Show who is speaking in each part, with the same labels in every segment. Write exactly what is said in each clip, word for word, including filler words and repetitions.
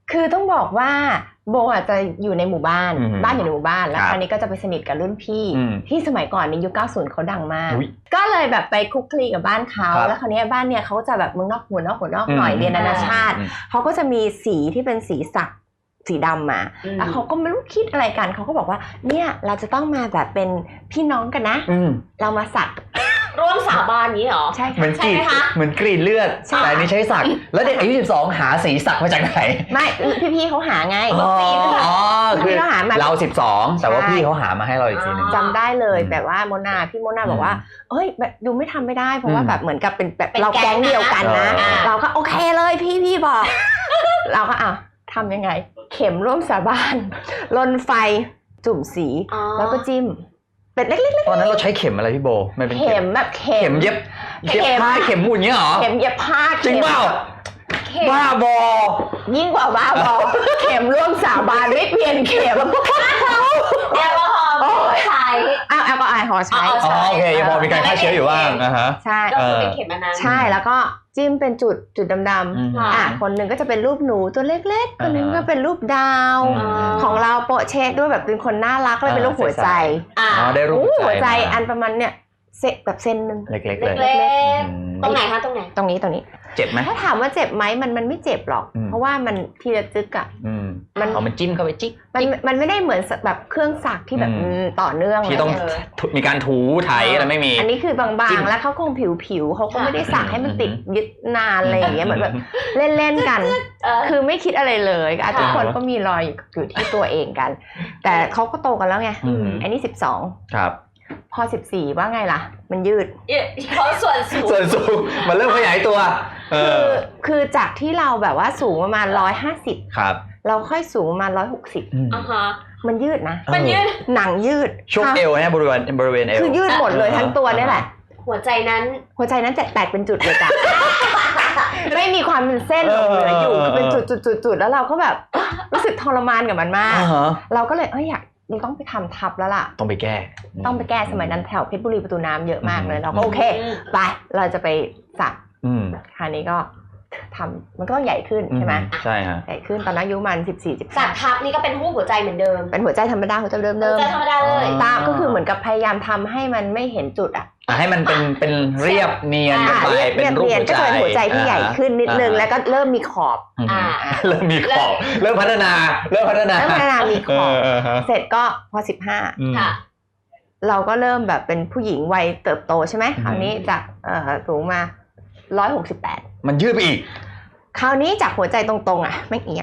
Speaker 1: คือต้องบอกว่าโบอาจจะอยู่ในหมู่บ้านบ้านอยู่ในหมู่บ้านแล้วคราวนี้ก็จะไปสนิทกับรุ่นพี่ที่สมัยก่อนในยุคเก้าสิบเขาดังมากก็เลยแบบไปคุกคลีกับบ้านเขาแล้วคราวนี้บ้านเนี่ยเขาจะแบบเมืองนอกหัวนอกหัวนอกหน่อยเรียนนานาชาติเขาก็จะมีสีที่เป็นสีสักสีดำมาแล้วเขาก็ไม่รู้คิดอะไรกันเขาก็บอกว่าเนี่ยเราจะต้องมาแบบเป็นพี่น้องกันนะเรามาสัก
Speaker 2: ร่วมสาบานนี้เหรอ
Speaker 1: ใช่
Speaker 3: เหมือนกรีดเหมือนกรีดเลือดแต่นี่ใช้สักแล้วเด็กอายุสิบสองหาสีสักมาจากไหน
Speaker 1: ไม่พี่ๆเขาหาไง
Speaker 3: อ๋อคือเราสิบสองแต่ว่าพี่เขาหามาให้เราอีกทีนึง
Speaker 1: จำได้เลยแบบว่าโมนาพี่โมนาบอกว่าเอ้ยแบบดูไม่ทำไม่ได้เพราะว่าแบบเหมือนกับเป็นแบบเราแก๊งเดียวกันนะเราก็โอเคเลยพี่พี่บอกเราก็อ่ะทำยังไงเข็มร่วมสาบานลนไฟจุ่มสีแล้วก็จิ้มเป็นเล็กๆ
Speaker 3: ตอนนั้นเราใช้เข็มอะไรพี่โบมันเป็น
Speaker 1: เข็มแบบเข็
Speaker 3: มเย็บเย็บผ้าเข็มหมุนเงี้ยหรอ
Speaker 1: เข็มเย็บผ้า
Speaker 3: จริงเปล่าบ้าบอ
Speaker 1: ยิ่งกว่าบ้าบอเข็มร่วมสาบานไม่เปลี่ยนเข็ม
Speaker 2: แอลกอฮอล์ใช้
Speaker 1: อ้าวแอลกอฮอล์ใช้
Speaker 3: อ๋อโอเคยังพอมีการฆ่าเชื้ออยู่บ้างนะฮะ
Speaker 1: ใช่
Speaker 2: ก็เป็นเข็มอันนั้น
Speaker 1: ใช่แล้วก็จิ้มเป็นจุดจุดดำๆอ่ะคนหนึ่งก็จะเป็นรูปหนูตัวเล็กๆคนหนึ่งก็เป็นรูปดาวของเราโปะเชดด้วยแบบเป็นคนน่ารักเลยเป็นรูปหัวใจ
Speaker 3: อ๋อได้รูป
Speaker 1: หัวใจอันประมาณเนี่ยเซแบบเส้นนึง
Speaker 3: เล็กๆเลย
Speaker 2: ตรงไหนคะตรงไหน
Speaker 1: ตรงนี้ตรงนี้
Speaker 3: เจ็บไหม
Speaker 1: ถ้าถามว่าเจ็บไหมมันมันไม่เจ็บหรอกเพราะว่ามันทีละจึกอ่ะ
Speaker 3: มันเอามันจิ้มเข้าไปจิ๊ก
Speaker 1: มันมันไม่ได้เหมือนแบบเครื่องสักที่แบบต่อเนื่อง
Speaker 3: ที่ต้องมีการถูไถอะไรไม่มี
Speaker 1: อันนี้คือบางๆแล้วเขาคงผิวๆเขาก็ไม่ได้สักให้มันติดยึดนานอะไรอย่างเงี้ยเหมือนแบบเล่นๆกันคือไม่คิดอะไรเลยทุกคนก็มีรอยอยู่ที่ตัวเองกันแต่เขาก็โตกันแล้วไงอันนี้สิบสอง
Speaker 3: ครับ
Speaker 1: พอสิบสี่ว่าไงล่ะมันยืด
Speaker 2: เพราะส่วนสูง
Speaker 3: ส่วนสูงมันเริ่มขยายตัว
Speaker 1: คือคือจากที่เราแบบว่าสูงประมาณหนึ่งร้อยห้าสิบ
Speaker 3: ครับ
Speaker 1: เราค่อยสูงประมาณหนึ่งร้อยหกสิบ
Speaker 2: อ่าฮะ
Speaker 1: มันยืดนะ
Speaker 2: มันยืด
Speaker 1: หนังยืด
Speaker 3: ช่วงเอวเนี่ยบริเวณบริเวณเอว
Speaker 1: คือยืดหมดเลยทั้งตัวนี่แหละ
Speaker 2: หัวใจนั้น
Speaker 1: หัวใจนั้นแตกเป็นจุดเลยจ้ะไม่มีความเป็นเส้นหลงเหลืออยู่เป็นจุดๆๆๆแล้วเราก็แบบรู้สึกทรมานกับมันมากเราก็เลยเอ้ยอยากเราต้องไปทำทับแล้วล่ะ
Speaker 3: ต้องไปแก้
Speaker 1: ต้องไปแก้สมัยนั้นแถวเพชรบุรีประตูน้ำเยอะมากเลยเราก็โอเคไปเราจะไปสักคราวนี้ก็ทำมันก็ต้องใหญ่ขึ้นใช่ไหม
Speaker 3: ใช่ฮะ
Speaker 1: ใหญ่ขึ้นตอนนั้นอายุมันสิบสี่ สิบห้า
Speaker 2: สักทับนี่ก็เป็นรูปหัวใจเหมือนเดิม
Speaker 1: เป็นหัวใจธรรมดาหัวใจเดิม
Speaker 2: ๆหัวใจธรรมดาเลย
Speaker 1: ตาก็คือเหมือนกับพยายามทำให้มันไม่เห็นจุดอ่ะ
Speaker 3: ให้มันเป็นเป็นเรียบเนียนกันไปเป็นรูปหัวใจ
Speaker 1: ก็เป็นหัวใจที่ใหญ่ขึ้นนิดนึงแล้วก็เริ่มมีขอบ
Speaker 3: เริ่มมีขอบเริ่มพัฒนาเริ่มพัฒนา
Speaker 1: เริ่มพัฒนามีขอบเสร็จก็พอสิบห้า
Speaker 2: ค่ะ
Speaker 1: เราก็เริ่มแบบเป็นผู้หญิงวัยเติบโตใช่ไหมคราวนี้จากสูงมาหนึ่งร้อยหกสิบแปด
Speaker 3: มันยืดไปอีก
Speaker 1: คราวนี้จากหัวใจตรงๆอ่ะไม่เอียง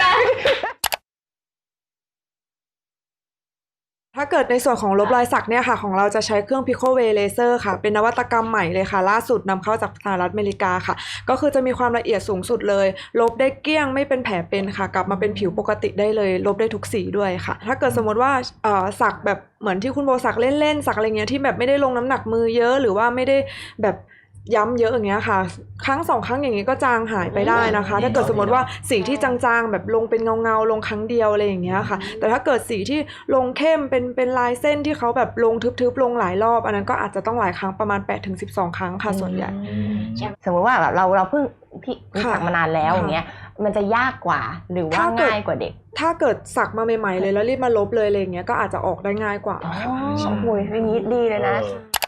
Speaker 4: ถ้าเกิดในส่วนของลบรอยสักเนี่ยค่ะของเราจะใช้เครื่อง Pico Way Laser ค่ะเป็นนวัตกรรมใหม่เลยค่ะล่าสุดนำเข้าจากสหรัฐอเมริกาค่ะก็คือจะมีความละเอียดสูงสุดเลยลบได้เกลี้ยงไม่เป็นแผลเป็นค่ะกลับมาเป็นผิวปกติได้เลยลบได้ทุกสีด้วยค่ะถ้าเกิดสมมติว่าเอ่อสักแบบเหมือนที่คุณโบสักเล่นๆสักอะไรเงี้ยที่แบบไม่ได้ลงน้ำหนักมือเยอะหรือว่าไม่ได้แบบย้ำเยอะอย่างเงี้ยค่ะครั้งสองครั้งอย่างงี้ก็จางหายไปได้นะคะถ้าเกิดสมมติว่าสีที่จางๆแบบลงเป็นเงาๆลงครั้งเดียวอะไรอย่างเงี้ยค่ะแต่ถ้าเกิดสีที่ลงเข้มเป็นเป็นลายเส้นที่เขาแบบลงทึบๆลงหลายรอบอันนั้นก็อาจจะต้องหลายครั้งประมาณ แปดถึงสิบสอง ครั้งค่ะส่วนใหญ่
Speaker 1: สมมติว่าแบบเราเราเพิ่งพี่สักมานานแล้วอย่างเงี้ยมันจะยากกว่าหรือว่าง่ายกว่าเด็ก
Speaker 4: ถ้าเกิดสักมาใหม่ๆเลยแล้วรีบมาลบเลยอะไรอย่างเงี้ยก็อาจจะออกได้ง่ายกว่า
Speaker 1: อ๋อโอ้ยอย่างนี้ดีเลยนะ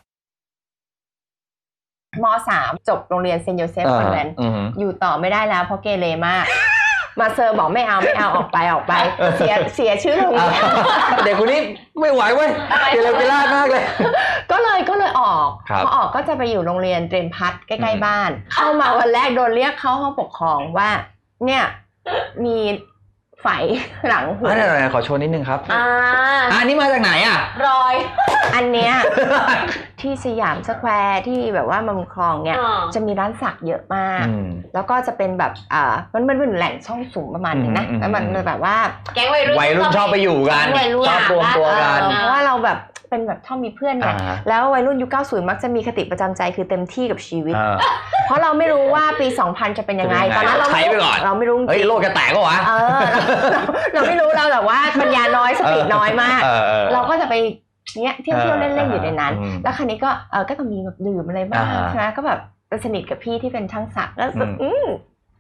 Speaker 1: ม.สาม จบโรงเรียนเซนต์โยเซฟคอนแวนต์อยู่ต่อไม่ได้แล้วเพราะเกเรมากมาเซอร์บอกไม่เอาไม่เอาออกไปออกไปเสียเสียชื่อโรงเรียน
Speaker 3: เด็กคนนี้ไม่ไหวเว้ยเกเรเกล่ามากเลย
Speaker 1: ก็เลยก็เลยออกพอออกก็จะไปอยู่โรงเรียนเตรียมพัฒน์ใกล้ๆบ้านเข้ามาวันแรกโดนเรียกเข้าห้องปกครองว่าเนี่ยมีไฝหลังหู
Speaker 3: อะไรขอโชว์นิดนึงครับ
Speaker 2: อ่า
Speaker 3: อันนี้มาจากไหนอ่ะ
Speaker 2: รอย
Speaker 1: อันเนี้ยที่สยามสแควร์ที่แบบว่ามันคลองเนี่ยจะมีร้านสักเยอะมากแล้วก็จะเป็นแบบอ่ามันมันเป็นแหล่งช่องสูงประมาณนึงนะแล้วมันแบบว่า
Speaker 2: แก๊งวัยรุ่น
Speaker 3: วัยรุ่นชอบไปอยู่กันชอบรวมตัวกัน
Speaker 1: เพราะว่าเราแบบเป็นแบบชอบมีเพื่อนเนี่ยแล้ววัยรุ่นยุคเก้าสิบมักจะมีคติประจำใจคือเต็มที่กับชีวิตเพราะเราไม่รู้ว่าปีสองพันจะเป็นยังไงตอนนั้นเรา
Speaker 3: ใช้ไปก่อน
Speaker 1: เราไม่รู้
Speaker 3: เฮ้ยโลกจะแตกก็วะ
Speaker 1: เออเราไม่รู้เราแบบว่าปัญญาน้อยสติน้อยมากเราก็จะไปเนี้ยเที่ยวเที่ยวเล่นๆอยู่ในนั้นแล้วคราวนี้ก็เออก็จะมีแบบดื่มอะไรบ้างใช่ไหมก็แบบสนิทกับพี่ที่เป็นช่างสักแล้วอืม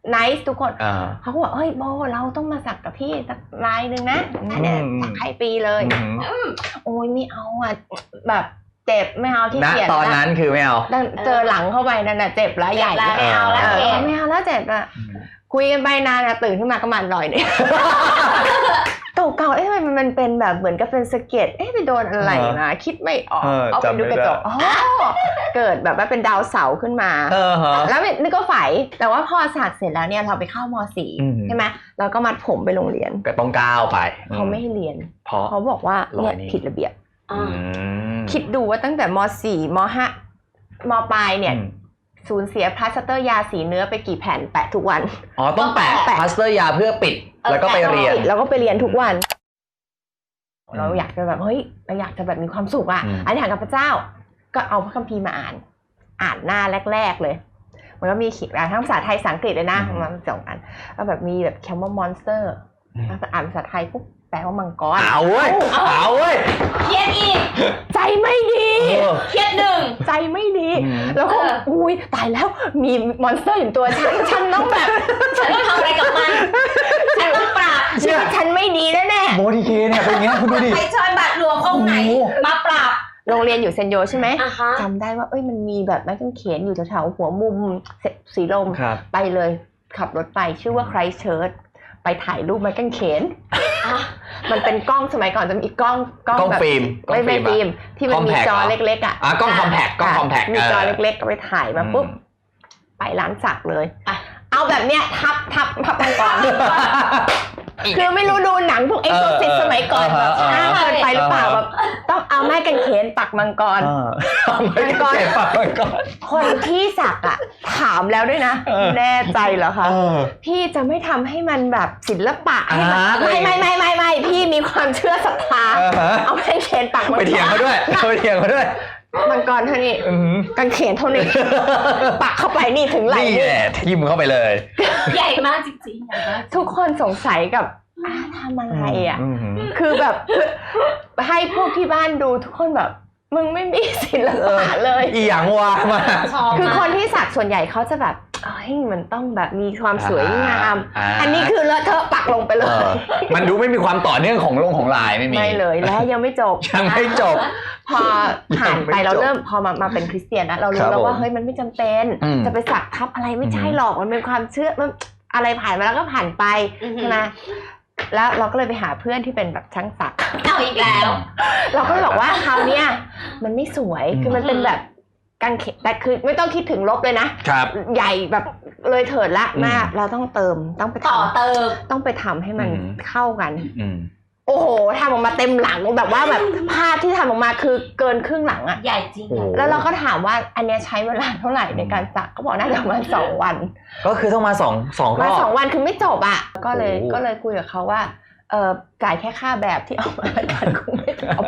Speaker 1: nice ทุกคนเขาก็บอกเฮ้ยโบเราต้องมาสักกับพี่สักลายนึงนะเนี่ยสักให้ปีเลยโอ้ยไม่เอาอ่ะแบบเจ็บไม่เอาที่เกียจ
Speaker 3: ตอนนั้นคือไม่เอา
Speaker 1: เจอหลังเข้าไปนั่นน่ะเจ็บแล้วใหญ่
Speaker 2: ไม่เอาแล้ว
Speaker 1: ไม่เอาแล้วเจ็บอ่ะคุยกันไปนานนะตื่นขึ้นมาก็มันลอยเนี่ยเก่าๆเอ๊ะมันมันเป็นแบบเหมือนกับเป็นสะเก็ดเอ๊ะไปโดนอะไรนะคิดไม่ออกเอาไปดูกระจกอ๋อเกิดแบบว่าเป็นดาวเสาร์ขึ้นมาแล้วนี่ก็ฝ่ายแต่ว่าพอสักเสร็จแล้วเนี่ยเราไปเข้าม.สี่ ใช่ไหมเราก็มัดผมไปโรงเรียน
Speaker 3: ก็ต้องก้าวไป
Speaker 1: เขาไม่ให้เรียน
Speaker 3: เพราะ
Speaker 1: เขาบอกว่าเนี่ยผิดระเบียบคิดดูว่าตั้งแต่ม.สี่ ม.ห้า ม.ปลายเนี่ยสูญเสียพลาสเตอร์ยาสีเนื้อไปกี่แผ่นแปะทุกวัน
Speaker 3: อ๋อต้องแปะพลาสเตอร์ยาเพื่อปิดแล้วก็ไปเรียน
Speaker 1: แล้วก็ไปเรียนทุกวันเราอยากจะแบบเฮ้ยเราอยากจะแบบมีความสุขอ่ะอธิษฐานกับพระเจ้าก็เอาพระคัมภีร์มาอ่านอ่านหน้าแรกๆเลยมันก็มีขีดทั้งภาษาไทยภาษาอังกฤษเลยนะมันสองอันแล้วแบบมีแบบคำว่ามอนสเตอร์อ่านภาษาไทยปุ๊บแปลว่ามังกร
Speaker 3: เอาเว้ยเอาเว้ย
Speaker 2: เครียดอีก
Speaker 1: ใจไม่ดี
Speaker 2: เครียดหนึ่ง
Speaker 1: ใจไม่ดีแล้วก็อุ้ยตายแล้วมีมอนสเตอร์อยู่ตัวฉันฉันต้องแบบ
Speaker 2: ฉันต้องทำอะไรกับมันฉันต้องปราบ
Speaker 1: ชีวิตฉันไม่ดีแน่แน่
Speaker 3: โมดีเคเนี่ยเป็นอย่างนี้คุณดูดิ
Speaker 2: ไปชอยบาทหลวงองค์ไหนมาปราบ
Speaker 1: โรงเรียนอยู่เซนโยใช่ไหมจำได้ว่าเอ้ยมันมีแบบไม้กางเขนอยู่แถวๆหัวมุมสีลมไปเลยขับรถไปชื่อว่าไครสต์เชิร์ชไปถ่ายรูปไม้กางเขนมันเป็นกล้องสมัยก่อนจะมีกล้อง
Speaker 3: กล้องแบบฟิล์ม
Speaker 1: ไม่ไม่ฟิล์มที่มันมีจอเล็กๆอ่ะ
Speaker 3: กล้องคอมแพคกล้องคอมแพค
Speaker 1: มีจอเล็กๆก็ไปถ่ายมาปุ๊บไปร้านสักเลยเอาแบบเนี้ยทับทับทับมังกรคือไม่รู้ดูหนังพวกเอ็กโซซิสสมัยก่อนแบบช้าเกินไปหรือเปล่าแบบต้องเอาไม้กางเขนปักมังกร
Speaker 3: มังกรปักมังกร
Speaker 1: คนที่สักอ่ะถามแล้วด้วยนะแน่ใจเหรอคะพี่จะไม่ทำให้มันแบบศิลปะให้มันไม่ไม่ไม่ไม่ไม่พี่มีความเชื่อศรัทธาเอาไม้กางเขนปักมังกร
Speaker 3: ไปเถียงเขาด้วยไปเถียงเขาด้วย
Speaker 1: มังกรเท่านี้กางเขนเท่านี้ปักเข้าไปนี่ถึงไหล่
Speaker 3: นี่แหละทิ่มเข้าไปเลย
Speaker 2: ใหญ่มากจริงๆ
Speaker 1: ทุกคนสงสัยกับทำอะไรอ่ะคือแบบให้พวกที่บ้านดูทุกคนแบบมึงไม่มีศิลปะเลย
Speaker 3: อีหยังวะมา
Speaker 1: คือคนที่สักส่วนใหญ่เขาจะแบบเฮ้ยมันต้องแบบมีความสวยงามอันนี้คือเลอะเทอะปักลงไปเลย
Speaker 3: มันดูไม่มีความต่อเนื่องของลงของลายไม่มี
Speaker 1: ไม่เลยแล้วยังไม่จบ
Speaker 3: ยังไม่จบ
Speaker 1: พอผ่านไปเราเริ่มพอมามาเป็นคริสเตียนนะเรารู้แล้วว่าเฮ้ยมันไม่จำเป็นจะไปสักทับอะไรไม่ใช่หรอกมันเป็นความเชื่อมันอะไรผ่านมาแล้วก็ผ่านไปใช่ไหมแล้วเราก็เลยไปหาเพื่อนที่เป็นแบบช่างสัก
Speaker 2: เอาอีกแล้ว
Speaker 1: เราก็เลยบอกว่าคราวนี้มันไม่สวยคือมันเป็นแบบกางเขนแต่คือไม่ต้องคิดถึงลบเลยนะใหญ่แบบเลยเถิดละมากเราต้องเติมต้องไป
Speaker 2: ต่อเติม
Speaker 1: ต้องไปทำให้มันเข้ากันโอ้โหทำออกมาเต็มหลังแบบว่าแบบภาพที่ทำออกมาคือเกินครึ่งหลังอ่ะ
Speaker 2: ใหญ่จริง
Speaker 1: แล้วเราก็ถามว่าอันนี้ใช้เวลาเท่าไหร่ในการสักก็บอกน่าจะประมาณสองวัน
Speaker 3: ก็คือต้องมาสองสองรอบ
Speaker 1: มาสองวันคือไม่จบอ่ะก็เลยก็เลยคุยกับเขาว่าเออจ่ายแค่ค่าแบบที่เอามาการคงไม่จบ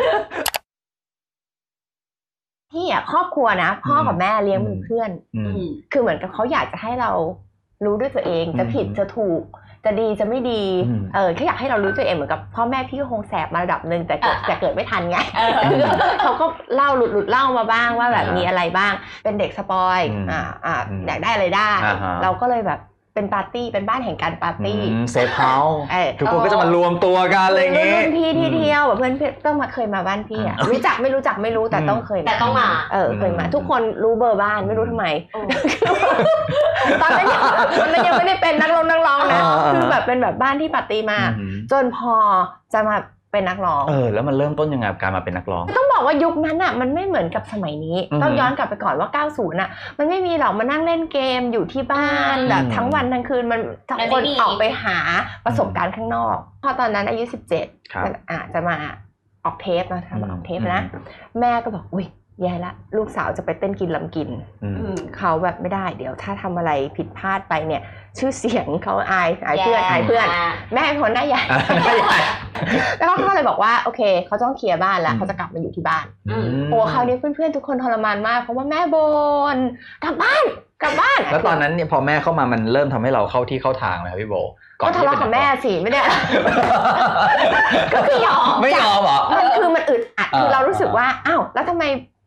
Speaker 1: พี่อ่ะครอบครัวนะพ่อกับแม่เลี้ยงเป็นเพื่อนคือเหมือนกับเขาอยากจะให้เรารู้ด้วยตัวเองจะผิดจะถูกจะดีจะไม่ดีเออแค่อยากให้เรารู้ตัวเองเหมือนกับพ่อแม่พี่ก็คงแสบมาระดับนึงแต่เกิดแต่เกิดไม่ทันไงเขาก็เล่าหลุดหลุดเล่ามาบ้างว่าแบบมีอะไรบ้างเป็นเด็กสปอยอ่าอ่าอยากได้อะไรได้เราก็เลยแบบเป็นปาร์ตี้เป็นบ้านแห่งการปาร์ตี้
Speaker 3: เซฟเฮาส์ทุกคนก็จะมารวมตัวกันอะไรอย่างงี้
Speaker 1: รุ่นพี่ที่เที่ยวแบบเพื่อนต้องมาเคยมาบ้านพี่อ่ะรู้จักไม่รู้จักไม่รู้แต่ต้องเคย
Speaker 2: แต่ต้องมา
Speaker 1: เออเคยมาทุกคนรู้เบอร์บ้านไม่รู้ทำไมตอนนั้นมันยังไม่ได้เป็นนักร้องนักร้องนะคือแบบเป็นแบบบ้านที่ปาร์ตี้มาจนพอจะมาเป็นนักร้อง
Speaker 3: เออแล้วมันเริ่มต้นยังไงกับการมาเป็นนักร้อง
Speaker 1: ต้องบอกว่ายุคนั้นอ่ะมันไม่เหมือนกับสมัยนี้ต้องย้อนกลับไปก่อนว่าเก้าสิบอ่ะมันไม่มีหรอกมานั่งเล่นเกมอยู่ที่บ้านแบบทั้งวันทั้งคืนมันทุกคนออกไปหาประสบการณ์ข้างนอกพอตอนนั้นอายุสิบเจ็ดอ่ะจะมาออกเทปนะทำออกเทปนะแม่ก็บอกอุ้ยแย่ละลูกสาวจะไปเต้นกินลำกินเขาแบบไม่ได้เดี๋ยวถ้าทำอะไรผิดพลาดไปเนี่ยชื่อเสียงเขาอายอายเพื่อนอายเพื่อนแม่คนหน้าใหญ่แล้วเขาก็เลยบอกว่าโอเคเขาต้องเคลียร์บ้านแล้วเขาจะกลับมาอยู่ที่บ้านโอ้คราวนี้เพื่อนๆทุกคนทรมานมากเพราะว่าแม่บ่นกลับบ้านกลับบ้าน
Speaker 3: แล้วตอนนั้นเนี่ยพอแม่เข้ามามันเริ่มทำให้เราเข้าที่เข้าทางไหมครับพี่โบ
Speaker 1: ก็ทะเลาะกับแม่สิไม่ได้
Speaker 3: ก็คือยอมไม่ยอมเหรอ
Speaker 1: มันคือมันอึดอัดคือเรารู้สึกว่าอ้าวแล้วทำไม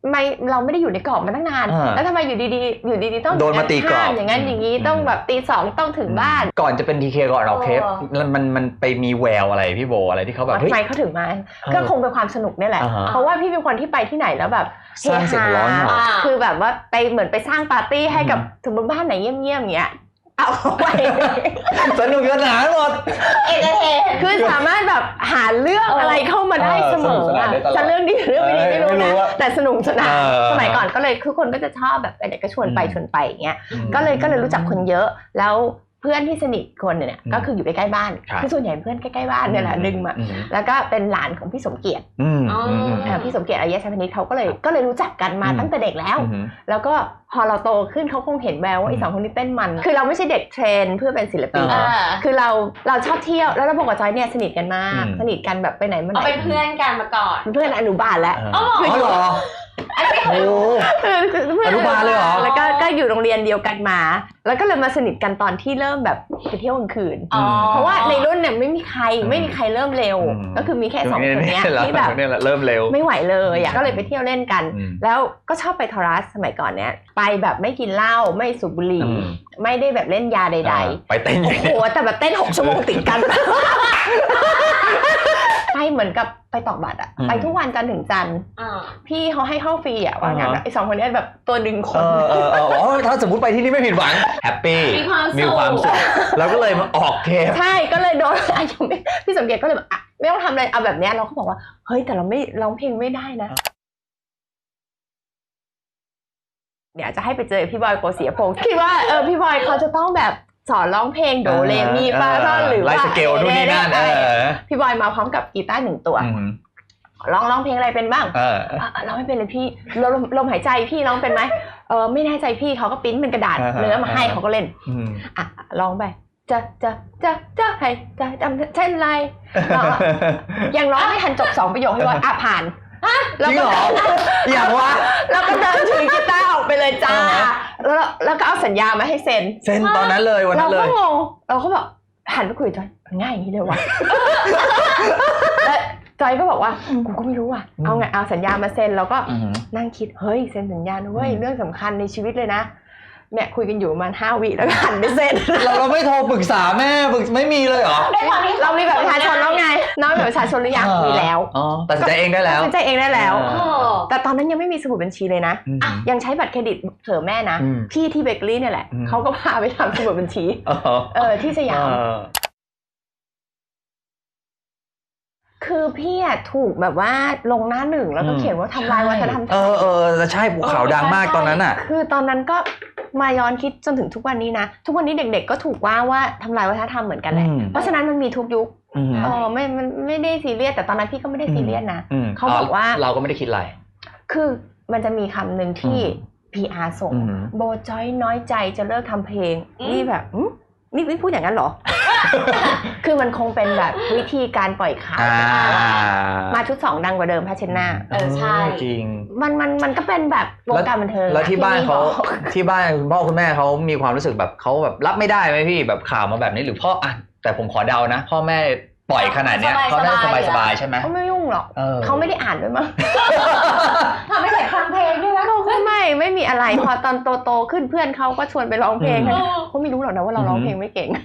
Speaker 1: ไม่เราไม่ได้อยู่ในกรอบมาตั้งนานแล้วทำไมอยู่ดีๆอยู่ดีๆต้อง
Speaker 3: โดนมาตีกรอบ
Speaker 1: อย่างนั้นอย่างนี้ต้องแบบตีสองต้องถึงบ้าน
Speaker 3: ก่อนจะเป็นทีเคก่อนเราเคปมันมันไปมีแววอะไรพี่โบอะไรที่เขาแบบ
Speaker 1: ทำไมเขาถึงมาก็คงเป็นความสนุกนี่แหละเพราะว่าพี่เป็นคนที่ไปที่ไหนแล้วแบบ
Speaker 3: สร้างเสียงร้อน
Speaker 1: คือแบบว่าไปเหมือนไปสร้างปาร์ตี้ให้กับสมมติบ้านไหนเงียบๆอย่างเงี้ยเอาไป
Speaker 3: สนุกสนานหมด
Speaker 1: เอเจเทคือสามารถแบบหาเรื่องอะไรเข้ามาได้เสมอจะเรื่องดีเรื่องไม่ดีไม่รู้นะแต่สนุกสนานสมัยก่อนก็เลยคือคนก็จะชอบแบบไปไหนก็ชวนไปชวนไปอย่างเงี้ยก็เลยก็เลยรู้จักคนเยอะแล้วเพื่อนที่สนิทคนเนี่ยก็คืออยู่ใกล้ๆบ้านคือส่วนใหญ่เพื่อนใกล้ๆบ้านเนี่ยแหละดึงมาแล้วก็เป็นหลานของพี่สมเกียรติพี่สมเกียรติอายะชัยพนิชเขาก็เลยก็เลยรู้จักกันมาตั้งแต่เด็กแล้วแล้วก็พอเราโตขึ้นเขาคงเห็นแววว่าไอ้สองคนนี้เต้นมันคือเราไม่ใช่เด็กเทรนเพื่อเป็นศิลปินคือเราเราชอบเที่ยวแล้วเราบอกกับจอยเนี่ยสนิทกันมากสนิทกันแบบไปไหนมาไหน
Speaker 2: เป็นเพื่อนกันมาก่อน
Speaker 1: เพื่อนอนุบาลแล้ว
Speaker 3: คือหรอโอ้อนุบาลเลยเหรอ
Speaker 1: แล้วก็ก็อยู่โรงเรียนเดียวกันมาแล้วก็เลยมาสนิทกันตอนที่เริ่มแบบไปเที่ยวกลางคืนเพราะว่าในรุ่นเนี่ยไม่มีใครไม่มีใครเริ่มเร็วก็คือมีแค่สองคนนี้ที่แบบ
Speaker 3: เริ่มเร็ว
Speaker 1: ไม่ไหวเลยอ่ะก็เลยไปเที่ยวเล่นกันแล้วก็ชอบไปทอรัสสมัยก่อนเนี้ยไปแบบไม่กินเหล้าไม่สูบบุหรี่ไม่ได้แบบเล่นยาใด
Speaker 3: ๆไปเต้น
Speaker 1: โอ้โหแต่แบบเต้นหกชั่วโมงติดกันไปเหมือนกับไปตอกบัตรอะไปทุกวันจันทร์ถึงจันทร์พี่เขาให้เข้าฟรีอะว่างั้นไอ้สองคนนี้แบบตัวดึงคน
Speaker 3: เออเออถ้าสมมติไปที่นี่ไม่ผิดหวังแฮปปี้มีความสุขแล้วก็เลยมาออกเทป
Speaker 1: ใช่ก็เลยโดนพี่สมเกียรติก็เลยแบบไม่ต้องทำอะไรเอาแบบนี้เราก็บอกว่าเฮ้ยแต่เราไม่ร้องเพลงไม่ได้นะเดี๋ยวจะให้ไปเจอพี่บอยโกศิยพงศ์คิดว่าเออพี่บอยเขาจะต้องแบบสอนร้องเพลงโดเรมีฟาซอลหรือว่า
Speaker 3: ไลฟ์สเกลนู่นนี่นั่น
Speaker 1: พี่บอยมาพร้อมกับกีตาร์หนึ่งตัวร้องร้องเพลงอะไรเป็นบ้างร้องไม่เป็นเลยพี่ลมลมหายใจพี่ร้องเป็นไหมเออไม่แน่ใจพี่เขาก็ปริ้นเป็นกระดาษเนื้อมาให้เขาก็เล่นอ่ะร้องไปจะจะจะจะให้จะจำเช่นไรยังร้องไม่ทันจบสองประโยคให้ว่าอ่ะผ่าน
Speaker 3: แล้วก็อย่างว่า
Speaker 1: แล้วก็เดินถือกีตาร์ออกไปเลยจ้าแล้วแล้วก็เอาสัญญามาให้เซ็น
Speaker 3: เซ็นตอนนั้นเลยวันนั้นเลย
Speaker 1: เราก็งงเราก็บอกหันไปคุยจอยง่ายอย่างนี้เลยวะแล้วจอยก็บอกว่ากูก็ไม่รู้ว่ะเอาไงเอาสัญญามาเซ็นแล้วก็นั่งคิดเฮ้ยเซ็นสัญญาเว้ยเรื่องสำคัญในชีวิตเลยนะเนี่ยคุยกันอยู่ประมาณห้าวิแล้วก็หันไปเซ็น
Speaker 3: เราเราไม่โทรปรึกษาแม่ปรึกไม่มีเลยเหรอ
Speaker 1: เรามีแบบประชาชนแล้วไงน้อยแบบประชาชนหรือยังมีแล้ว
Speaker 3: อ๋อตัดสินใจเองได้แล้ว
Speaker 1: ตัดสินใจเองได้แล้วแต่ตอนนั้นยังไม่มีสมุดบัญชีเลยนะยังใช้บัตรเครดิตเผื่อแม่นะพี่ที่เบเกอรี่เนี่ยแหละเขาก็พาไปทำสมุดบัญชีเออที่สยามคือพี่อะถูกแบบว่าลงหน้าหนึ่งแล้วก็เขียนว่าทำลายวัฒนธรรมไทย
Speaker 3: เออเออใช่ข่าวดังมากตอนนั้นอ่ะ
Speaker 1: คือตอนนั้นก็มาย้อนคิดจนถึงทุกวันนี้นะทุกวันนี้เด็กๆก็ถูกว่าว่าทำลายวัฒนธรรมเหมือนกันแหละเพราะฉะนั้นมันมีทุกยุคเออไม่มันไม่ได้ซีเรียสแต่ตอนนั้นพี่ก็ไม่ได้ซีเรียสนะเขาบอกว่า
Speaker 3: เราก็ไม่ได้คิดอะไร
Speaker 1: คือมันจะมีคำหนึ่งที่ พี อาร์ ส่งโบจอยน้อยใจจะเลิกทำเพลงนี่แบบนี่พี่พูดอย่างนั้นเหรอ คือมันคงเป็นแบบวิธีการปล่อยข่าวมาชุดสองดังกว่าเดิมพาเชนนา
Speaker 2: เออใช่
Speaker 3: จริง
Speaker 1: มันมันมันก็เป็นแบบวงการบันเทิง
Speaker 3: แล้วที่บ้านเขาที่บ้านคุณพ่อคุณแม่เขามีความรู้สึกแบบเขาแบบรับไม่ได้ไหมพี่แบบข่าวมาแบบนี้หรือพ่ออ่ะแต่ผมขอเดานะพ่อแม่ปล่อยขนาดเนี้ยเขาได้สบายสบายใช่ไหม
Speaker 1: เขาไม่ยุ่งหรอกเขาไม่ได้อ่านด้วยมั้ง
Speaker 2: ทำไม่ได้ฟังเพลงด้วยนะ
Speaker 1: เขาไม่ไม่มีอะไรพอตอนโตๆขึ้นเพื่อนเขาก็ชวนไปร้องเพลงเขาไม่รู้หรอกนะว่าเราร้องเพลงไม่เก่ง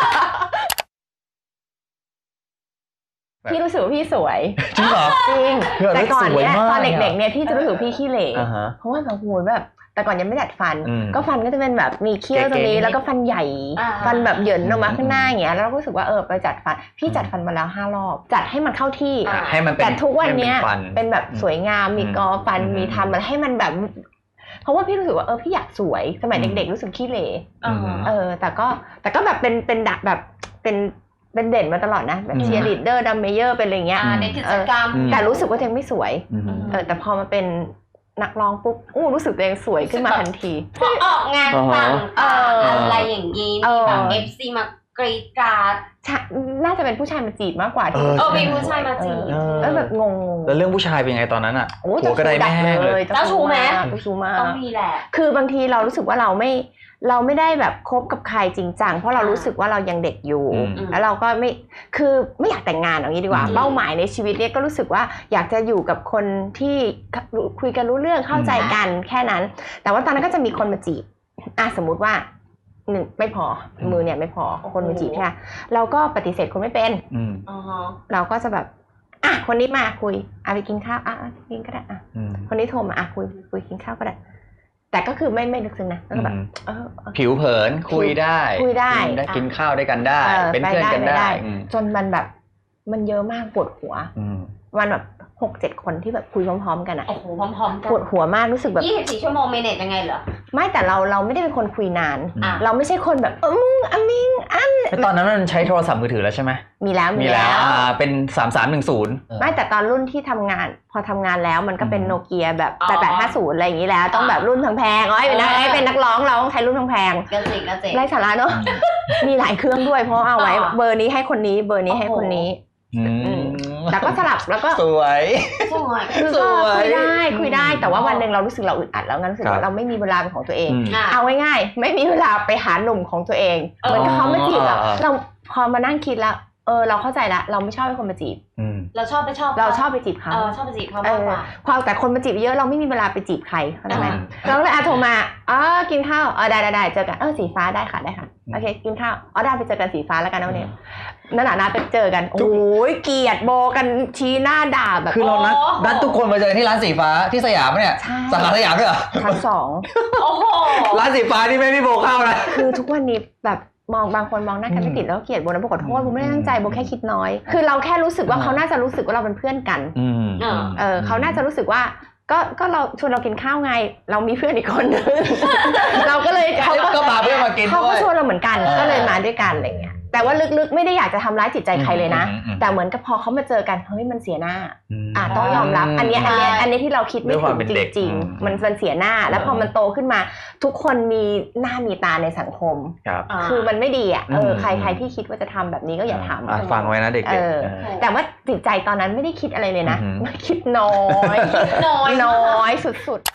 Speaker 1: พี่รู้สึกว่าพี่สวย
Speaker 3: จริงเหรอ
Speaker 1: จริงแต่ก่อนเนี้ยตอนเด็กๆเนี่ยพี่จะรู้สึกพี่ขี้เหร่เพราะว่าแบบโหแบบแต่ก่อนยังไม่ดัดฟันก็ฟันก็จะเป็นแบบมีเขี้ยวตรงนี้แล้วก็ฟันใหญ่ฟันแบบเหยินออกมาข้างหน้าอย่างเงี้ยแล้วเราก็รู้สึกว่าเออไปจัดฟันพี่จัดฟันมาแล้วห้ารอบจัดให้มันเข้าที่
Speaker 3: ให้มัน
Speaker 1: แต่ทุกวันเนี้ยเป็นแบบสวยงามมีกอฟันมีทำมันให้มันแบบเพราะว่าพี่รู้สึกว่าเออพี่อยากสวยสมัยเด็กๆรู้สึกขี้เหร่เออแต่ก็แต่ก็แบบเป็นเป็นดักแบบเป็นเป็นเด่นมาตลอดนะแบบเชียร์ลีดเดอร์ดัมเมเยอร์เป็นอะไรเงี้ย
Speaker 2: ในกิจกรรม
Speaker 1: แต่รู้สึกว่าตัวเองไม่สวยเออแต่พอมาเป็นนักร้องปุ๊บอู้รู้สึกตัวเองสวยขึ้นมาทันที
Speaker 2: พอออกงานต่างๆอะไรอย่างงี้มีแบบ เอฟ ซี มากรีดกราด
Speaker 1: น่าจะเป็นผู้ชายมาจีบมากกว่า
Speaker 3: เออ
Speaker 2: เออมีผู้ชายมาจีบ
Speaker 1: แล้วแบบงง
Speaker 3: แล้วเรื่องผู้ชายเป็นไงตอนนั้นอ่ะ
Speaker 1: โอ้
Speaker 3: หัวกระไดแม่เลย
Speaker 2: เจ้าชู้ไหม
Speaker 1: เจ้าชู้มาก
Speaker 2: ต้องมีแหละ
Speaker 1: คือบางทีเรารู้สึกว่าเราไม่เราไม่ได้แบบคบกับใครจริงจังเพราะเรารู้สึกว่าเรายังเด็กอยู่แล้วเราก็ไม่คือไม่อยากแต่งงานอย่างนี้ดีกว่าเป้าหมายในชีวิตเนี่ยก็รู้สึกว่าอยากจะอยู่กับคนที่คุยกันรู้เรื่องเข้าใจกันแค่นั้นแต่ว่าตอนนั้นก็จะมีคนมาจีบอ่ะสมมุติว่าหนึ่งไม่พอมือเนี่ยไม่พอคนมาจีบแค่เราก็ปฏิเสธคนไม่เป็นเราก็จะแบบอ่ะคนนี้มาคุยอ่ะไปกินข้าวอ่ะกินก็ได้อ่ะคนนี้โทรมาอ่ะคุยคุยกินข้าวก็ได้แต่ก็คือไม่ไม่ลึกซึ้งนะก็แบบเออ
Speaker 3: ผิวเผินคุยได้
Speaker 1: คุยได้
Speaker 3: ได้กินข้าวด้วยกันได้เป็นเพื่อนกันได้
Speaker 1: จนมันแบบมันเยอะมากปวดหัววันแบบหกเจ็ดคนที่แบบคุยพร้อมๆกันอ่ะ
Speaker 2: โอ้โหพร้อมๆกัน
Speaker 1: ปวดหัวมากรู้สึกแบบ
Speaker 2: ยี่สิบสี่ชั่วโมงเมเนจยังไงเหรอ
Speaker 1: ไม่แต่เราเราไม่ได้เป็นคนคุยนานเราไม่ใช่คนแบบเออมึงอะมิงอัน
Speaker 3: ตอนนั้นมันใช้โทรศัพท์มือถือแล้วใช่ไหม
Speaker 1: มีแล้ว
Speaker 3: มีแล้วอ่าเป็นสามสามหนึ่งศูนย์
Speaker 1: ไม่แต่ตอนรุ่นที่ทำงานพอทำงานแล้วมันก็เป็นโนเกียแบบแปดแปดห้าศูนย์อะไรอย่างนี้แล้วต้องแบบรุ่นแพงๆอ๋อเป็นนักเป็นนักร้องเราต้องใช้รุ่นแพง
Speaker 2: ๆก็จริงก็จริง
Speaker 1: ไร้สาระเนาะมีหลายเครื่องด้วยเพราะเอาไว้เบอร์นี้ให้คนนี้เบอร์นี้ให้คนนี้แต่ก็สลับแล้วก็
Speaker 3: สวย
Speaker 2: สวย
Speaker 1: คือก็คุยได้คุยได้แต่ว่าวันหนึ่งเรารู้สึกเราอึดอัดแล้วงั้นรู้สึกว่าเราไม่มีเวลาเป็นของตัวเองเอาง่ายๆไม่มีเวลาไปหาหนุ่มของตัวเองเหมือนกับเขามาจีบเราเราพอมานั่งคิดแล้วเออเราเข้าใจละเราไม่ชอบให้คนมาจีบ
Speaker 2: เราชอบไปชอบ
Speaker 1: เราชอบไปจีบเขา
Speaker 2: เออชอบไปจีบเขามากกว่า
Speaker 1: พอแต่คนมาจีบเยอะเราไม่มีเวลาไปจีบใครเข้าใจไหมเราเลยอาโทรมาอ๋อกินข้าวอ๋อได้ได้ได้เจอกันเออสีฟ้าได้ค่ะได้ค่ะโอเคกินข้าวอ๋อได้ไปเจอกันสีฟ้าแล้วกันนะวันนี้นั่นแหละนะไปเจอกันโอ้ยเกลียดโบกันชี้หน้าด่าแบบ
Speaker 3: คือเรานัดนัดทุกคนมาเจอที่ร้านสีฟ้าที่สยามเนี่ยสาขาสยามด้วยเหรอ
Speaker 1: ชั้นสอง
Speaker 2: โอ้โห
Speaker 3: ร้านสีฟ้านี่ไม่มีโบเข้านะ
Speaker 1: คือทุกวันนี้แบบมองบางคนมองหน้ากันไม่ติดแล้วเกลียดโบนะโบขอโทษโบไม่ได้ตั้งใจโบแค่คิดน้อยคือเราแค่รู้สึกว่าเขาน่าจะรู้สึกว่าเราเป็นเพื่อนกันเออเขาน่าจะรู้สึกว่าก็ก็เราชวนเรากินข้าวไงเรามีเพื่อนอีกคนนึงเราก็เลย
Speaker 3: เขาก็มาเพื่อมากิน
Speaker 1: เขาก็ชวนเราเหมือนกันก็เลยมาด้วยกันอะไรเงี้ยแต่ว่าลึกๆไม่ได้อยากจะทำร้ายจิตใจใครเลยนะแต่เหมือนกับพอเขามาเจอกันเฮ้ยมันเสียหน้าอ่ะต้องยอมรับอันนี้อันนี้อันนี้ที่เราคิดไม่ถึงจริงๆมันมันเสียหน้าแล้วพอมันโตขึ้นมาทุกคนมีหน้ามีตาในสังคมคือมันไม่ดีอ่ะเออใครใครที่คิดว่าจะทำแบบนี้ก็อย่าท
Speaker 3: ำฟังไว้นะเด็ก
Speaker 1: ๆแต่ว่าจิตใจตอนนั้นไม่ได้คิดอะไรเลยนะคิดน้อยน้อยน้อยสุด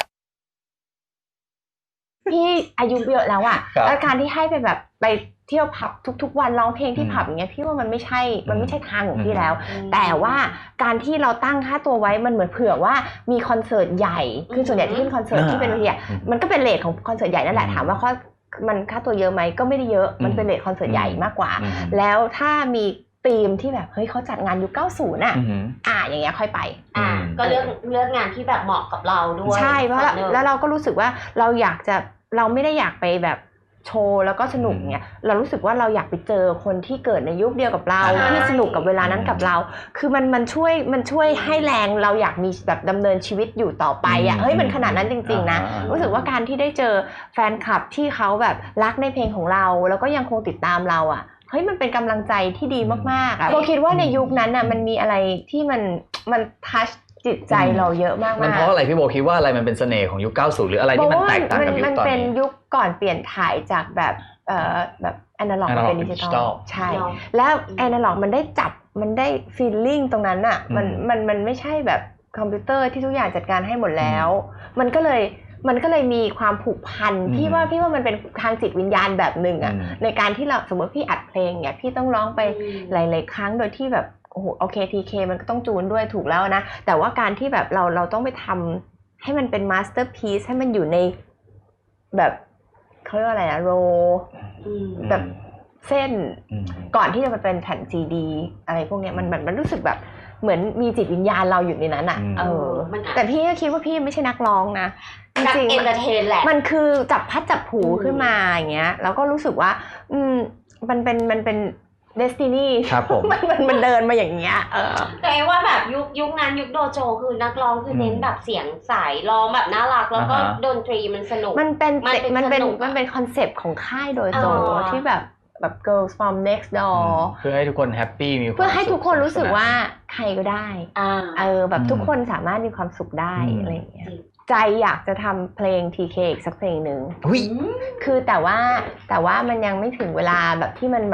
Speaker 1: ๆพี่อายุเยอะแล้วอ่ะแล้วการที่ให้ไปแบบไปเที่ยวผับทุกๆวันร้องเพลงที่ผับอย่างเงี้ยพี่ว่ามันไม่ใช่มันไม่ใช่ทางของพี่แล้วแต่ว่าการที่เราตั้งค่าตัวไว้มันเหมือนเผื่อว่ามีคอนเสิร์ตใหญ่คือส่วนใหญ่ที่ขึ้นคอนเสิร์ตที่เป็นเวทีมันก็เป็นเรทของคอนเสิร์ตใหญ่นั่นแหละถามว่าข้อมันค่าตัวเยอะไหมก็ไม่ได้เยอะมันเป็นเรทคอนเสิร์ตใหญ่มากกว่าแล้วถ้ามีธีมที่แบบเฮ้ยเขาจัดงานยุคเก้าสิบน่ะอ่าอย่างเงี้ยค่อยไป
Speaker 2: อ่าก็เลือกเลือกงานที่แบบเหมาะกับเราด้วย
Speaker 1: ใช่เพราะแล้วเราก็รู้สึกว่าเราอยากจะเราไม่ได้อยากไปแบบโชว์แล้วก็สนุกเนี่ยเรารู้สึกว่าเราอยากไปเจอคนที่เกิดในยุคเดียวกับเราที่สนุกกับเวลานั้นกับเราคือมันมันช่วยมันช่วยให้แรงเราอยากมีแบบดำเนินชีวิตอยู่ต่อไปอ่ะเฮ้ยมันขนาดนั้นจริงๆนะรู้สึกว่าการที่ได้เจอแฟนคลับที่เขาแบบรักในเพลงของเราแล้วก็ยังคงติดตามเราอ่ะเฮ้ยมันเป็นกำลังใจที่ดีมากๆอ่ะโบคิดว่าในยุคนั้นน่ะมันมีอะไรที่มันมันทัชจิตใจเราเยอะมากๆ
Speaker 3: มันเพราะอะไรพี่โบคิดว่าอะไรมันเป็นเสน่ห์ของยุคเก้าสิบหรืออะไรที่มันแตกต่างกับยุคตอนนี้
Speaker 1: มันเป็นยุคก่อนเปลี่ยนถ่ายจากแบบเอ่อแบบแอนาล็อกมาเป็นดิจิตอลใช่แล้วแอนาล็อกมันได้จับมันได้ฟีลลิ่งตรงนั้นอ่ะมันมันมันไม่ใช่แบบคอมพิวเตอร์ที่ทุกอย่างจัดการให้หมดแล้วมันก็เลยมันก็เลยมีความผูกพันพี่ว่าพี่ว่ามันเป็นทางจิตวิญญาณแบบหนึ่งอ่ะในการที่เราสมมติพี่อัดเพลงเนี่ยพี่ต้องร้องไปหลายๆครั้งโดยที่แบบโอ้โหโอเค ที เค มันก็ต้องจูนด้วยถูกแล้วนะแต่ว่าการที่แบบเราเราต้องไปทำให้มันเป็นมาสเตอร์พีซให้มันอยู่ในแบบเขาเรียกว่าอะไรนะโรแบบเส้นก่อนที่จะมาเป็นแผ่นซีดีอะไรพวกเนี้ยมันมันมันรู้สึกแบบเหมือนมีจิตวิญญาณเราอยู่ในนั้นอ่ะเออแต่พี่ก็คิดว่าพี่ไม่ใช่นักร้องนะ
Speaker 2: จริงๆเอนเตอร์เทนแหละ
Speaker 1: มันคือจับพัดจับผูขึ้นมาอย่างเงี้ยแล้วก็รู้สึกว่าอืมมันเป็นมันเป็นDestiny
Speaker 3: ครับผม
Speaker 1: มันมันมันเดินมาอย่างเงี้ยเออ
Speaker 2: แต่ว่าแบบยุคยุคนั้นยุคโดโจคือนักร้องคือเน้นแบบเสียงใสร้องแบบน่ารักแล้วก็ดนตรีมันสนุก
Speaker 1: มันเป็นมันเป็นมันเป็นคอนเซปต์ของค่ายโดโจที่แบบแบบ Girls from Next Door
Speaker 3: เพื่อให้ทุกคนแฮปปี้มีความสุข
Speaker 1: เพื่อให้ทุกคนรู้สึกว่าใครก็ได้เออแบบทุกคนสามารถมีความสุขได้อะไรอย่างเงี้ยใจอยากจะทำเพลง ที เค อีกสักเพลงหนึ่งคือแต่ว่าแต่ว่ามันยังไม่ถึงเวลาแบบที่มันแบบ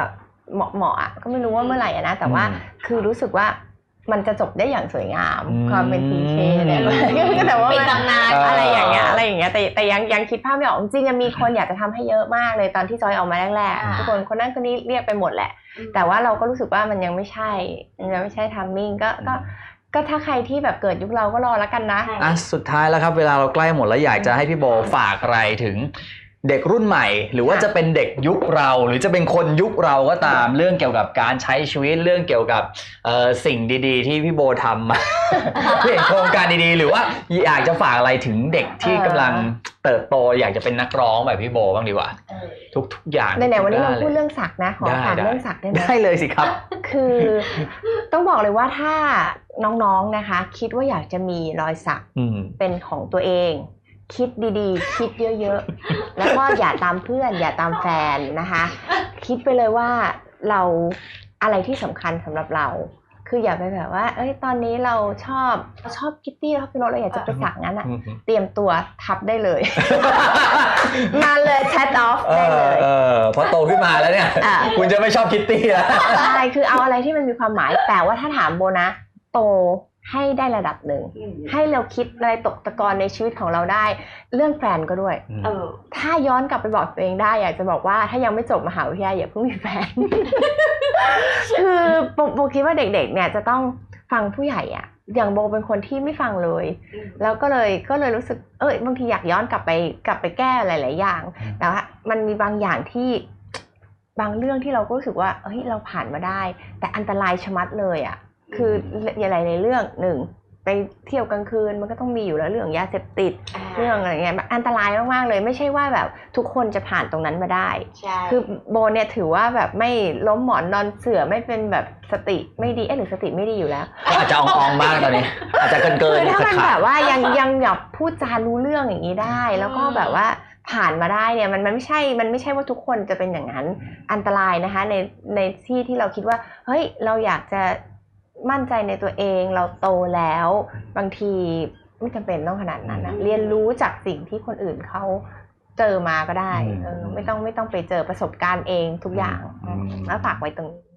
Speaker 1: เหมาะเหมาะก็ไม่รู้ว่าเมื่อไหร่นะแต่ว่าคือรู้สึกว่ามันจะจบได้อย่างสวยงามความเป็นพีเคเนี่ยก็แต่ว่า
Speaker 2: เป็นตำนาน
Speaker 1: อะไรอย่างเงี้ยอะไรอย่างเงี้ยแต่แต่ยังยังคิดภาพไม่ออกจริงๆมีคนอยากจะทำให้เยอะมากเลยตอนที่จอยออกมาแรกๆทุกคนคนนั้นคนนี้เรียกไปหมดแหละแต่ว่าเราก็รู้สึกว่ามันยังไม่ใช่ยังไม่ใช่ทัมมิ่งก็ก็ก็ถ้าใครที่แบบเกิดยุคเราก็รอแล้วกันนะ
Speaker 3: อ่ะสุดท้ายแล้วครับเวลาเราใกล้หมดแล้วอยากจะให้พี่โบฝากอะไรถึงเด็กรุ่นใหม่หรือว่าจะเป็นเด็กยุคเราหรือจะเป็นคนยุคเราก็ตามเรื่องเกี่ยวกับการใช้ชีวิตเรื่องเกี่ยวกับสิ่งดีๆที่พี่โบทำมาเห็นโครงการดีๆหรือว่าอยากจะฝากอะไรถึงเด็กที่กำลังเติบโตอยากจะเป็นนักร้องแบบพี่โบบ้างดีกว่าทุกๆอย่าง
Speaker 1: ในๆวันนี้เราพูดเรื่องศักดิ์นะขอฝากเรื่องศักดิ์ได้ไหม
Speaker 3: ได้เลยสิครับ
Speaker 1: คือต้องบอกเลยว่าถ้าน้องๆนะคะคิดว่าอยากจะมีรอยสักเป็นของตัวเองคิดดีๆคิดเยอะๆแล้วก็อย่าตามเพื่อนอย่าตามแฟนนะคะคิดไปเลยว่าเราอะไรที่สำคัญสำหรับเราคืออย่าไปแบบว่าเอ้ยตอนนี้เราชอบชอบคิตตี้แล้วพี่โน้ตเราอยากจะไปสักงั้นอ่ะเตรียมตัวทับได้เลยมาเลยแชทออฟได้เลย
Speaker 3: เออพอโตขึ้นมาแล้วเนี่ยคุณจะไม่ชอบคิตตี้แล้ว
Speaker 1: ใช่คือเอาอะไรที่มันมีความหมายแต่ว่าถ้าถามโบนะโตให้ได้ระดับหนึ่งให้เราคิดอะไรตกตะกอนในชีวิตของเราได้เรื่องแฟนก็ด้วยเออถ้าย้อนกลับไปบอกตัวเองได้อยากจะบอกว่าถ้ายังไม่จบมหาวิทยาลัยอย่าเพิ่งมีแฟน คือโบคิดว่าเด็กๆเนี่ยจะต้องฟังผู้ใหญ่อะอย่างโบเป็นคนที่ไม่ฟังเลยแล้วก็เลยก็เลยรู้สึกเออบางทีอยากย้อนกลับไปกลับไปแก้หลายๆอย่างแต่ว่ามันมีบางอย่างที่บางเรื่องที่เราก็รู้สึกว่าเฮ้ยเราผ่านมาได้แต่อันตรายชะมัดเลยอะคืออะไรในเรื่องหนึ่งไปเที่ยวกลางคืนมันก็ต้องมีอยู่แล้วเรื่องยาเสพติดเรื่องอะไรเงี้ยอันตรายมากๆเลยไม่ใช่ว่าแบบทุกคนจะผ่านตรงนั้นมาได้คือโบเนี่ยถือว่าแบบไม่ล้มหมอนนอนเสื่อไม่เป็นแบบสติไม่ดีเอ๊ะหรือสติไม่ดีอยู่แล้ว
Speaker 3: อาจจะอ่องๆบ้างตอนนี้อาจจะเกินเกิน
Speaker 1: คือถ้ามันแบบว่ายังยังแบบพูดจารู้เรื่องอย่างนี้ได้แล้วก็แบบว่าผ่านมาได้เนี่ยมันมันไม่ใช่มันไม่ใช่ว่าทุกคนจะเป็นอย่างนั้นอันตรายนะคะในในที่ที่เราคิดว่าเฮ้ยเราอยากจะมั่นใจในตัวเองเราโตแล้วบางทีไม่จำเป็นต้องขนาดนั้นนะเรียนรู้จากสิ่งที่คนอื่นเขาเจอมาก็ได้เออไม่ต้องไม่ต้องไปเจอประสบการณ์เองทุกอย่างแล้วฝากไว้ตรงนี้